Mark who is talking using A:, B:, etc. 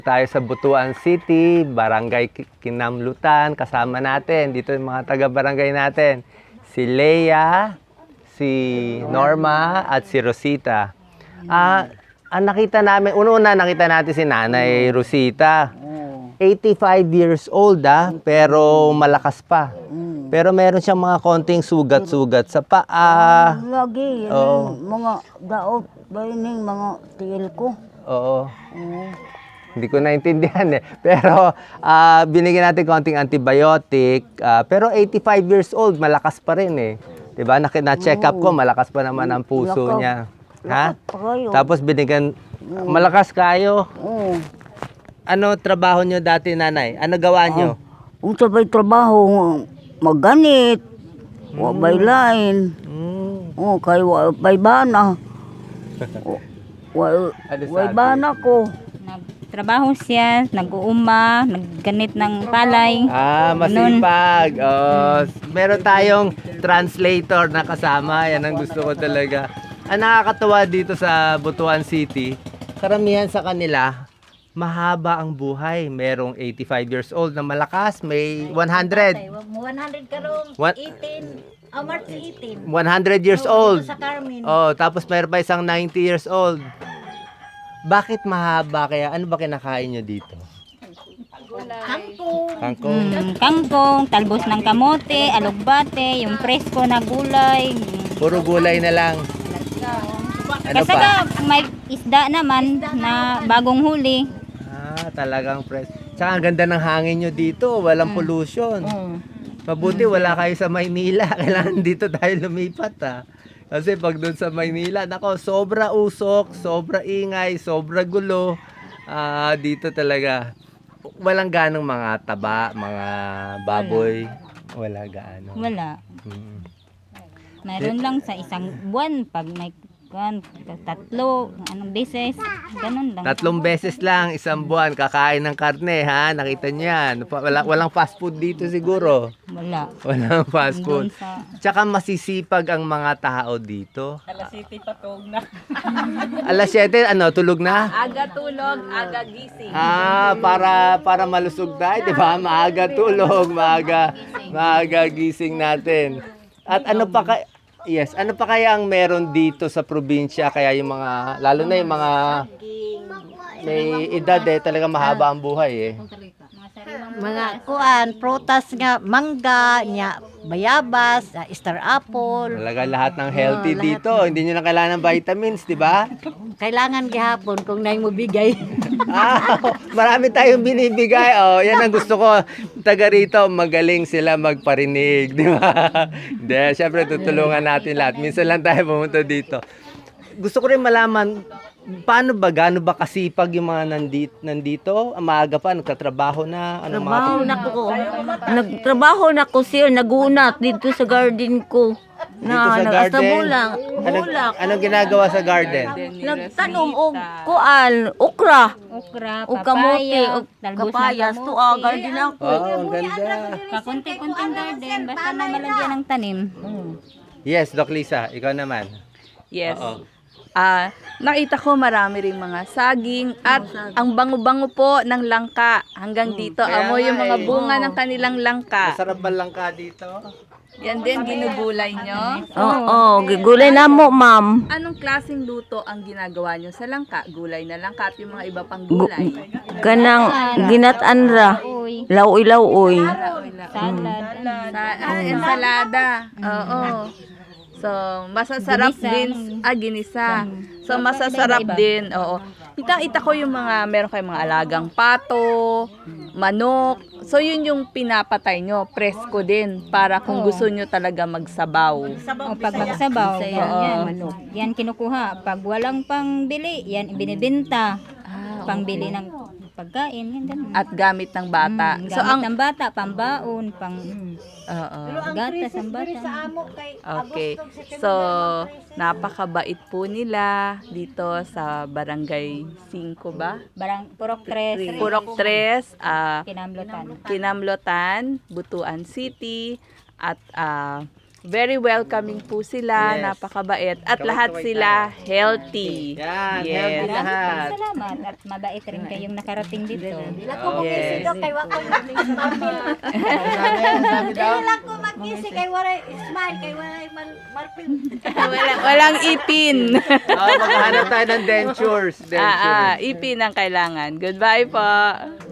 A: Tayo sa Butuan City, Barangay Kinamlutan, kasama natin. Dito yung mga taga-barangay natin. Si Leia, si Norma, at si Rosita. Ang nakita namin, una-una nakita natin si Nanay Rosita. 85 years old pero malakas pa. Pero meron siyang mga konting sugat-sugat sa paa.
B: Lagi, yan
A: Oo.
B: mga daot, bayan mga tiil ko.
A: Oo. Hindi ko naintindihan eh. Pero binigyan natin konting antibiotic. Pero 85 years old, malakas pa rin eh. 'Di ba? Na-check up ko, malakas pa naman ang puso
B: Lakas.
A: niya. Ha?
B: Lakas pa kayo.
A: Tapos binigyan, malakas kayo.
B: Oo.
A: Ano trabaho nyo dati, nanay? Ano gawa nyo?
B: Kung sabay trabaho, magganit, wabay lain. Oh, kay wabay bana. Wabay bana ko.
C: Nagtrabaho siya, nag-uuma, nagganit ng palay.
A: Masipag. Meron tayong translator na kasama. Yan ang gusto ko talaga. Ang nakakatawa dito sa Butuan City, karamihan sa kanila, mahaba ang buhay. Merong 85 years old na malakas, may 100.
D: 100 karong
A: What?
D: 18, March 18.
A: 100 years old.
D: Sa Carmen.
A: Tapos mayroon pa isang 90 years old. Bakit mahaba kaya? Ano ba kinakain nyo dito?
D: Kangkong.
A: Kangkong.
C: Kangkong, talbos ng kamote, alugbate, yung presko na gulay.
A: Puro gulay na lang. Ano
C: Kasi
A: pa?
C: may isda naman na bagong huli.
A: Talagang fresh. Tsaka ang ganda ng hangin nyo dito. Walang pollution. Mabuti wala kayo sa Maynila. Kailangan dito tayo lumipat Kasi pag doon sa Maynila, nako, sobra usok, sobra ingay, sobra gulo. Dito talaga. Walang ganong mga taba, mga baboy. Wala gaano.
C: Wala.
A: Mm.
C: Mayroon lang sa isang buwan pag may tatlo, anong beses, ganun lang.
A: 3 beses lang, isang buwan, kakain ng karne, ha? Nakita niyo yan. Walang fast food dito siguro.
C: Wala.
A: Walang fast
C: Doon
A: food.
C: sa
A: Tsaka masisipag ang mga tao dito.
E: Alas 7 patog na.
A: Alas 7, tulog na?
E: Aga tulog, aga gising.
A: Para malusog tayo, di ba? Maaga tulog, maaga gising natin. At ano pa kaya ang meron dito sa probinsya, kaya yung mga, lalo na yung mga may edad talaga mahaba ang buhay
D: Mga kuan, prutas nga, mangga, nya, bayabas, star apple.
A: Talaga lahat ng healthy
D: lahat
A: dito. Hindi nyo na kailangan ng vitamins, di ba?
D: Kailangan gihapon kung nai mo bigay.
A: Marami tayong binibigay. Yan ang gusto ko. Taga rito, magaling sila magparinig, di ba? Hindi, syempre tutulungan natin lahat. Minsan lang tayo pumunta dito. Gusto ko rin malaman, gaano ba kasipag yung mga nandito? Maaga pa, nagtatrabaho na?
B: Trabaho na ko. Nagtrabaho na ko siya, nagunat dito sa garden ko.
A: Dito sa garden? Anong ginagawa sa garden?
B: Nagtanom og kuan, okra,
C: okra,
B: og kamote,
C: papaya,
B: og
C: talbos ng
B: kapayas.
C: kamote.
B: Tuwa, garden ako.
A: Ang ganda.
C: Kakunti-kunting garden, basta na malagyan ng tanim.
A: Yes, Doc Lisa, ikaw naman.
E: Yes.
A: Oo.
E: Nakita ko marami ring mga saging at ang bango-bango po ng langka hanggang dito.
A: Kaya
E: Amoy yung
A: nga
E: mga
A: eh.
E: bunga ng kanilang langka.
A: Masarap ba lang ka dito?
E: Yan din, ginugulay nyo.
B: Oo, gigulay na mo, ma'am.
E: Anong klaseng luto ang ginagawa nyo sa langka? Gulay na langka at yung mga iba pang gulay.
B: Kanang ginataan ra.
C: Uy,
B: Laoy-laoy.
C: salad.
E: Ensalada. Oo. So, masasarap
C: Ginisa.
E: din. Ginisa. So, masasarap
C: Iba-iba.
E: din. Oo. Kita ko yung meron kayong mga alagang pato, manok. So, yun yung pinapatay nyo. Presko din. Para kung gusto nyo talaga magsabaw.
C: O pag magsabaw, yan kinukuha. Pag walang pangbili, yan ibinibenta. Pangbili ng pagkain, yan ganun.
E: At gamit ng bata.
C: Gamit
E: So, ang...
C: ng bata, pambaon,
E: Oo.
C: gatas ng bata.
E: Okay. So, napakabait po nila dito sa Barangay 5 ba?
C: Purok 3,
E: Purok 3,
C: Kinamlotan.
E: Kinamlotan, Butuan City, at Very welcoming po sila,
A: Yes.
E: napakabait, at lahat sila healthy.
A: Yan,
E: Yes.
A: healthy lahat.
C: Salamat at mabait rin kayong nakarating dito.
D: Dila ko
A: Oh,
D: mag-isi
E: yes.
D: daw kay wako marpil.
A: Sabi daw.
D: Dila ko mag-isi kay wala smile kay wala marpil.
E: Walang ipin.
A: Maghahanap tayo ng dentures.
E: Ipin ang kailangan. Goodbye po.